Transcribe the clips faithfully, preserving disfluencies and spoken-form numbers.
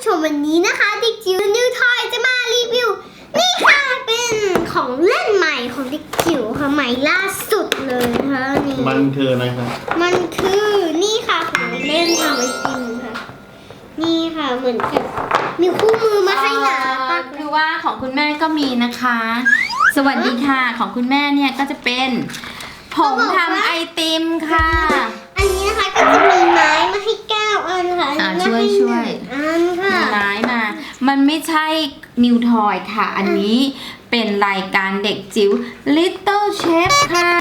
มวันนี้นะคะเด็กจิ๋วนิวทอยจะมารีวิวนี่ค่ะเป็นของเล่นใหม่ของเด็กจิ๋วค่ะใหม่ล่าสุดเลยนะคะนี่มันคืออะไรครับมันคือนี่ค่ะของเล่นทำไอติมค่ะนี่ค่ะเหมือนกับมีคู่มือมาให้หนาปากคือว่าของคุณแม่ก็มีนะคะ สวัสดีค่ะของคุณแม่เนี่ยก็จะเป็นผงทำไอติมค่ะอันนี้นะคะก็จะมีไม้มาให้เก้าอันค่ะช่วยช่วยอันค่ะมีไม้มามันไม่ใช่นิวทอยค่ะอันนี้เป็นรายการเด็กจิ๋ว Little Chef ค่ะ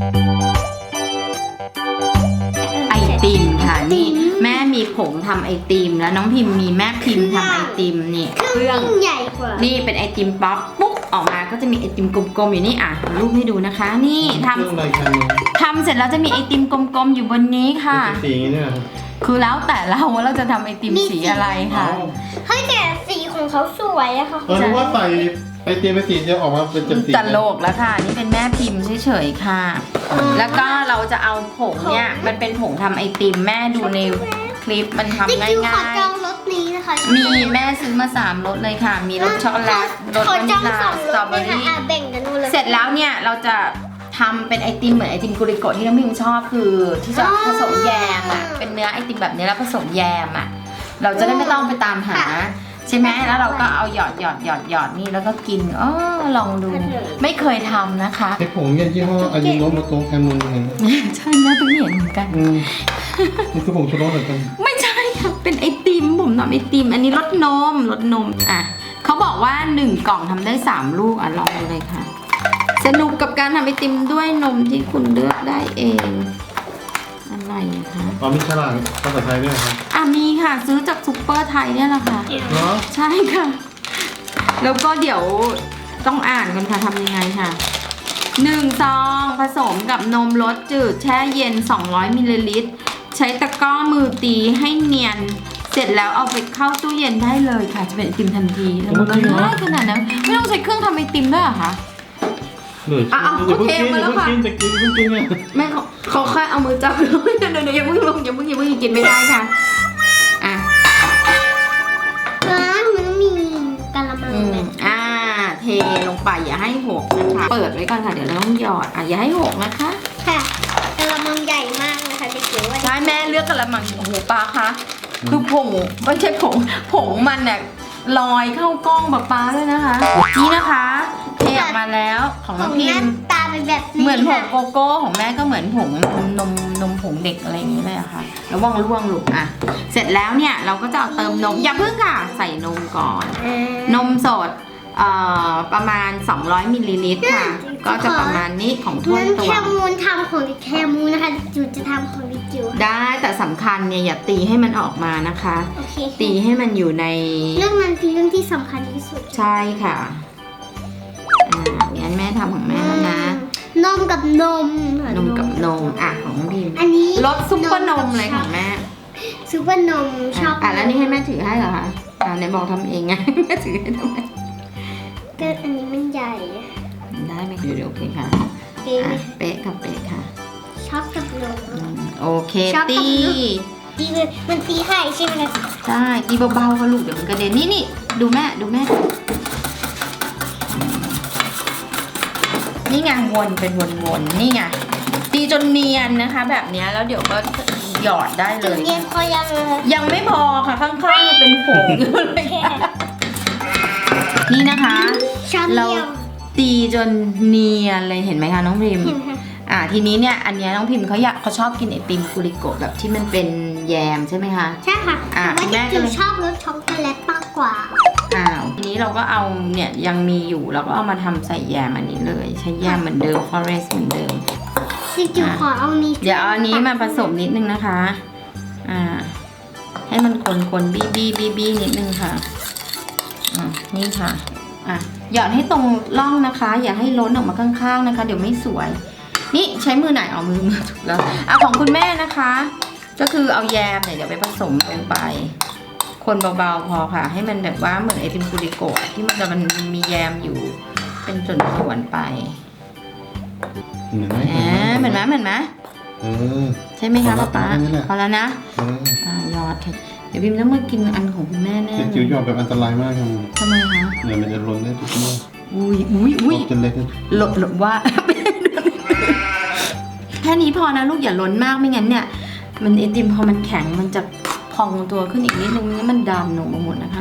ไอติมค่ะนี่แม่มีผงทำไอติมแล้วน้องพิมพ์มีแม่พิมพ์ทำไอติมนี่เครื่องใหญ่กว่านี่เป็นไอติมป๊อปปุ๊บออกมาก็จะมีไอติมกลมๆอยู่นี่อ่ะรูปให้ดูนะคะนี่ทำทำเสร็จแล้วจะมีไอติมกลมๆอยู่บนนี้ค่ะสีนี้เนี่ยคือแล้วแต่เราว่าเราจะทำไอติมสีอะไรค่ะเฮ้ยแต่สีของเขาสวยอะค่ะเออรู้ว่าใส่ไอติมไปสีจะออกมาเป็นจับสีตลกแล้วค่ะนี่เป็นแม่พิมพ์เฉยๆค่ะแล้วก็เราจะเอาผงเนี่ยมันเป็นผงทำไอติมแม่ดูในคลิปมันทำง่ายๆขอจองรสนี้นะคะมีแม่ซื้อมาสามรสเลยค่ะมีรสช็อกโกแลตรสวานิลลาสตรอเบอรี่เสร็จแล้วเนี่ยเราจะทำเป็นไอติมเหมือนไอติมกุริโกะที่น้องพิมชอบคือที่จะผสมแยมอ่ะเป็นเนื้อไอติมแบบนี้แล้วผสมแยมอ่ะเราจะได้ไม่ต้องไปตามหาใช่ไหมแล้วเราก็เอาหยอดหยอดหยอดหยอดนี่แล้วก็กินอ๋อลองดูไม่เคยทำนะคะไอผงเนี่ยยี่ห้ออายิโนโมโตะแคมูนเห็นใช่นะเพิ่งเห็นเหมือนกันนี่คือผงชูรสเหมือนกันไม่ใช่ค่ะเป็นไอติมผมทำไอติมอันนี้รสนมรสนมอ่ะเขาบอกว่าหนึ่งกล่องทำได้สามลูกอ่ะลองดูเลยค่ะสนุกกับการทำไอติมด้วยนมที่คุณเลือกได้เองอะไรคะอ๋อมีฉลากภาษาไทยด้วยครับอ่ะมีค่ะซื้อจากซุปเปอร์ไทยเนี่ยแหละค่ะเหรอใช่ค่ะแล้วก็เดี๋ยวต้องอ่านกันค่ะทำยังไงค่ะหนึ่งซองผสมกับนมรสจืดแช่เย็นสองร้อยมิลลิลิตรใช้ตะกร้อมือตีให้เนียนเสร็จแล้วเอาไปเข้าตู้เย็นได้เลยค่ะจะเป็นไอติมทันทีแล้วมันก็ง่ายขนาดนั้นไม่ต้องใช้เครื่องทำไอติมด้วยเหรอคะอ่ะเอาเทมาแล้วค่ะจะกินจะกินเนี่ยไม่เขาเขาแค่เอามือจับเลยเดี๋ยวเดี๋ยวอย่าเพิ่งลงอย่าเพิ่งอย่าเพิ่งกินไม่ได้ค่ะอ่ะแล้วมันมีกะละมังอ่าเทลงไปอย่าให้หกนะคะเปิดไว้ก่อนค่ะเดี๋ยวเราต้องหยอดอ่ะอย่าให้หกนะคะค่ะกะละมังใหญ่มากนะคะเด็กจิ๋วใช่แม่เลือกกะละมังโอ้โหปลาคะคือผงไม่ใช่ผงผงมันเนี่ยลอยเข้ากล้องแบบปลาด้วยนะคะนี่นะคะเทออกมาแล้วของน้องพิมตาเป็นแบบเหมือนผงโกโก้ของแม่ก็เหมือนผงนมนมผงเด็กอะไรอย่างนี้เลยอะค่ะระวังร่วงลูกอ่ะเสร็จแล้วเนี่ยเราก็จะเอาเติมนมอย่าเพิ่งค่ะใส่นมก่อนนมสดเอ่อประมาณสองร้อยมิลลิลิตรค่ะก็จะประมาณนี้ของถ้วยตัวแคมูนทำของแคมูนนะคะจิ๋วจะทำของจิ๋วได้แต่สำคัญเนี่ยอย่าตีให้มันออกมานะคะตีให้มันอยู่ในเรื่องนั้นคือเรื่องที่สำคัญที่สุดใช่ค่ะอ่างั้นแม่ทำของแม่แล้วนะนมกับนมนมกับนมอ่ะของพิมอันนี้รสซุปเปอร์นมเลยของแม่ซุปเปอร์นมชอบอ่ะแล้วนี่ให้แม่ถือให้เหรอคะอ่าไหนบอกทำเองไงแม่ถือให้ทำไมก็อันนี้มันใหญ่ได้ไหมเดี๋ยวโอเคค่ะเป๊ะค่ะเป๊ะค่ะชอบกับนมโอเคตีตีเลยมันตีไข่ใช่ไหมใช่ตีเบาๆค่ะลูกเดี๋ยวมันกระเด็นนี่นี่ดูแม่ดูแม่นี่ไงวนเป็นวนๆนี่ไงตีจนเนียนนะคะแบบนี้แล้วเดี๋ยวก็หยอดได้เลยเนียนพอยังยังไม่พอค่ะข้างๆเป็นผงอยู่เลยนี่นะคะเราตีจนเนียนเลยเห็นไหมคะน้องพิมอ่าทีนี้เนี่ยอันนี้น้องพิมเขาอยากเขาชอบกินไอติมกุริโกะแบบที่มันเป็นแยมใช่ไหมคะใช่ค่ะอ่าแม่ก็ชอบรสช็อกโกแลตมากกว่าอ้าวทีนี้เราก็เอาเนี่ยยังมีอยู่เราก็เอามาทำใส่แยมอันนี้เลยใช้แยมเหมือนเดิม forest เหมือนเดิมจิ๋วขอเอานี้เดี๋ยวเอาอันนี้มาผสมนิดนึงนะคะอ่าให้มันคนๆบี้บี้บี้บี้นิดนึงค่ะอ่านี่ค่ะอ่ะหยอดให้ตรงร่องนะคะอย่าให้ล้นออกมาข้างๆนะคะเดี๋ยวไม่สวยนี่ใช้มือไหนเอามือมือถูกแล้วอ่ะของคุณแม่นะคะก็คือเอาแยมเนี่ยเดี๋ยวไปผสมลงไปคนเบาๆพอค่ะให้มันแบบว่าเหมือนไอติมกุริโกะที่มันจะมันมีแยมอยู่เป็นส่วนๆไปเหมือนไหมเหมือนไหมเหมือนไหมใช่ไหมคะป๊าป๊าพอแล้วนะอ่าหยอดดี๋ยวพิมต้องมากินอันของคุณแม่แน่เด็กเลจิ๋วย หยอดแบบอันตรายมากครับทำไมคะเดี๋ยวมันจะล้นได้ทุกเมื่ออุ้ยอุ้ยอุ้ยจนเล็กหลดหลดว่า แค่นี้พอนะลูกอย่าล้นมากไม่งั้นเนี่ย มันไอติมพอมันแข็งมันจะพองตัวขึ้นอีกนิดนึงนี่มันดำหนูมาหมดนะคะ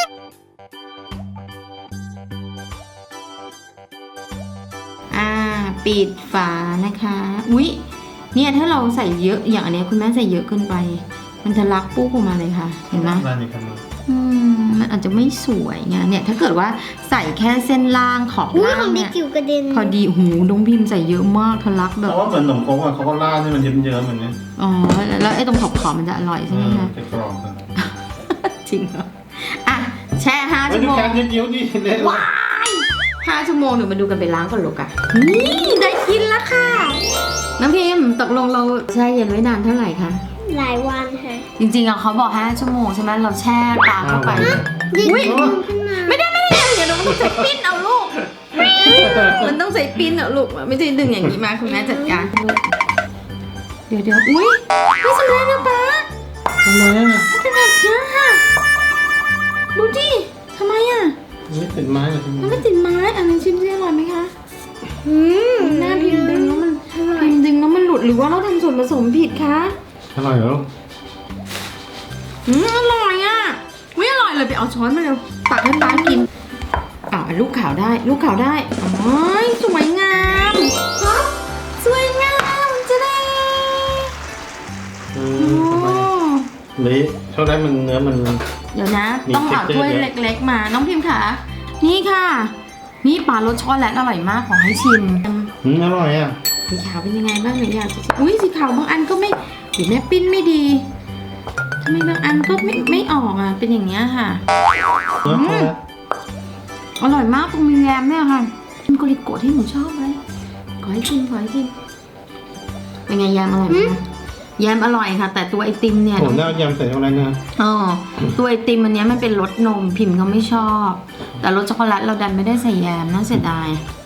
อ่าปิดฝานะคะอุ๊ยเนี่ยถ้าเราใส่เยอะอย่างอันเนี้ยคุณแม่ใส่เยอะเกินไป มันจะลักปุ๊บออกมาเลยค่ะเห็นไหมนั่นนี่ครับอืมมันอาจจะไม่สวยไงเนี่ยถ้าเกิดว่าใส่แค่เส้นล่างขอบอุ้ยล่าของ งเด็เนี่กยจิ๋วกระเด็นพอดีหูน้องพิมพ์ใส่เยอะมากทะลักแบแต่บว่าเหมือนขนมโค้งอ่ะเขาก็ราดให้มันเยิ้มๆเหมือนนี้อ๋อแล้วไอ้ตรงขอบขอบๆมันจะอร่อยใช่ไหมคะจะกรอบกันจริงเหรออ่ะแช่ห้าไม่ชั่วดูโมงการเยิ้มๆดิเละว้ายห้าชั่วโมงเดี๋ยวมาดูกันไปล้างก่อนลูกอะนี่ได้กินแล้วค่ะน้ำพิมพ์ตกลงเราแช่เย็นไว้นานเท่าไหร่คะหลายวันค่ะจริงๆอะเขาบอกห้าชั่วโมงใช่ไหมเราแช่ปลาเข้าไปยิ่งอุ๊ยดึงขึ้นมาไม่ได้ไม่ได้เดี๋ยวเราต้องใส่ปิ้นเอาลูก มันต้องใส่ปิ้นเอาลูกไม่ใช่ดึงอย่างนี้มาคุณแม่จัดการเดี๋ยวเดี๋ยวอุ้ยไม่สำเร็จนะป๊าทำไมอ่ะเป็นแบบนี้ค่ะดูดิทำไมอ่ะไม่ติดไม้เลยมันไม่ติดไม้อันนี้ชิมซิอร่อยไหมคะอืมหน้าพิมพ์ดึงแล้วมันพิมพ์ดึงแล้วมันหลุดหรือว่าเราทำส่วนผสมผิดคะอร่อยเหรออืมอร่อยอ่ะไม่อร่อยเลยไปเอาช้อนมาเร็วตักให้ป๊ากินอ้าวลูกขาวได้ลูกขาวได้อ๋อสวยงามสวยงามจะได้อืโอ้มทำไมเละช็อกโกแลตมันเนื้อมันเดี๋ยวนะมีต้องเอา texture ถ้วยเยอะเล็กๆมาน้องพิมพ์ค่ะนี่ค่ะ นี่ปลารสช็อกโกแลตอร่อยมากขอให้ชิมอืมอร่อยอ่ะสีขาวเป็นยังไงบ้างหนูอยากจะชิมอุ้ยสีขาวบางอันก็ไม่หรือแม่ปิ้นไม่ดีทำไมบางอันก็ไม่ไม่ออกอ่ะเป็นอย่างเงี้ยค่ะเนื้อช็อกโกแลตอร่อยมากตรงมีแยมเนี่ยค่ะชิมโกริโกะที่หนูชอบเลยขอให้ชิมขอให้ชิมเป็นไงแยมอร่อยไหมคะแยมอร่อยค่ะ แต่ตัวไอติมเนี่ยผมได้เอายำใส่ช็อกโกแลตนะอ๋อตัวไอติมอันเนี้ยมันเป็นรสนมพิมพ์ก็ไม่ชอบ แต่รสช็อกโกแลตเราดันไม่ได้ใส่แยมน่าเสียดาย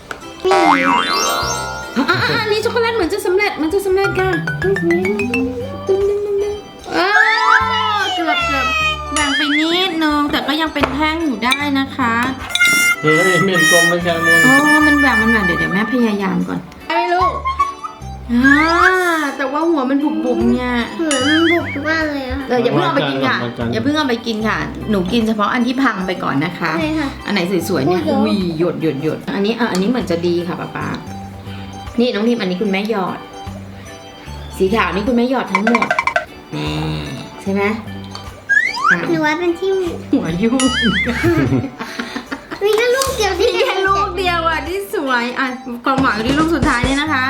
อ่ะอ่ะอ่ะอันนี้ช็อกโกแลตเหมือนจะสำเร็จมันจะสำเร็จค่ะตึ้งตึ้งตึ้งตึ้งเออเกือบเกือบแบ่งไปนิดนึงแต่ก็ยังเป็นแท่งอยู่ได้นะคะเฮ้ยเมนกลมแล้วแคมูนอ๋อมันแบ่งมันแบ่งเดี๋ยวเดี๋ยวแม่พยายามก่อนไอ้ลูกอ่าแต่ว่าหัวมันบุบๆเนี่ยเหมือนมันบุกมากเลยอะค่ะเอออย่าเพิ่งเอาไปกินค่ะอย่าเพิ่งเอาไปกินค่ะ หนูกินเฉพาะอันที่พังไปก่อนนะคะใช่ค่ะอันไหนสวยๆเนี่ยโอ้ยอุ้ยหยดหยดหยดอันนี้อ่ะอันนี้เหมือนจะดีค่ะป๊าป๊านี่น้องพิมอันนี้คุณแม่หยอด สีขาวนี่คุณแม่หยอดทั้งหมดนี่ใช่ไหมอ่ะหนูว่าเป็นที่มีหัวยุ่งมีแค่ลูกเดียวที่มีแค่ลูกเดียวอ่ะที่สวยอ่ะความหวังอยู่ที่ลูกสุดท้ายนี่นะคะ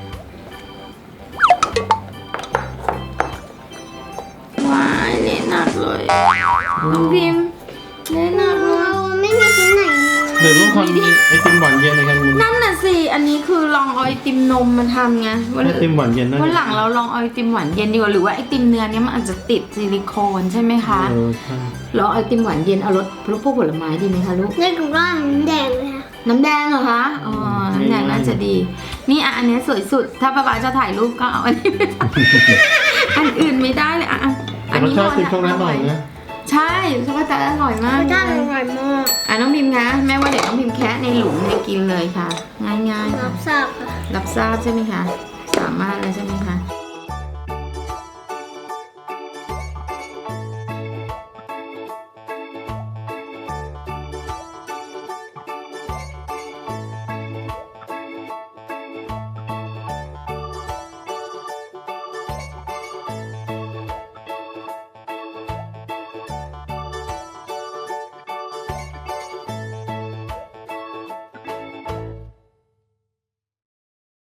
ว้ายเละหนักเลยน้องพิมเละหนักเลยเราไม่มีชิ้นไหนเลยเดี๋ยวลูกคนไอติมหวานเย็นในแคมูนนั่นน่ะสิ อันนี้คือลองเอาไอติมนมมาทำไงวันไอติมหวานเย็นนะวันหลังเราลองเอาไอติมหวานเย็นดีกว่าหรือว่าไอติมเนื้อเนี้ยมันอาจจะติดซิลิโคนใช่ไหมคะเออใช่เราเอาไอติมหวานเย็นเอารสรสพวกผลไม้ดีไหมคะลูกเลือกกับร่างแดงเลยค่ะน้ำแดงเหรอคะ อ๋อ น้ำแดงน่าจะดี นี่อ่ะอันเนี้ยสวยสุด ถ้าป๊าป๊าจะถ่ายรูปก็เอาอันนี้ไปถ่ายอันอื่นไม่ได้เลยอ่ะอ่ะแต่รสชาติติดช็อกโกแลตหน่อยนะใช่ช็อกโกแลตอร่อยมากรสเลชาติยอร่อยมากอ่ะน้องพิมคะแม่ว่าเดี๋ยวน้องพิมแคะในหลุมเนี่ยกินเลยค่ะ ง่ายๆรัค่ะบทราบค่ะรับทราบใช่ไหมคะ สามารถเลยใช่ไหมคะ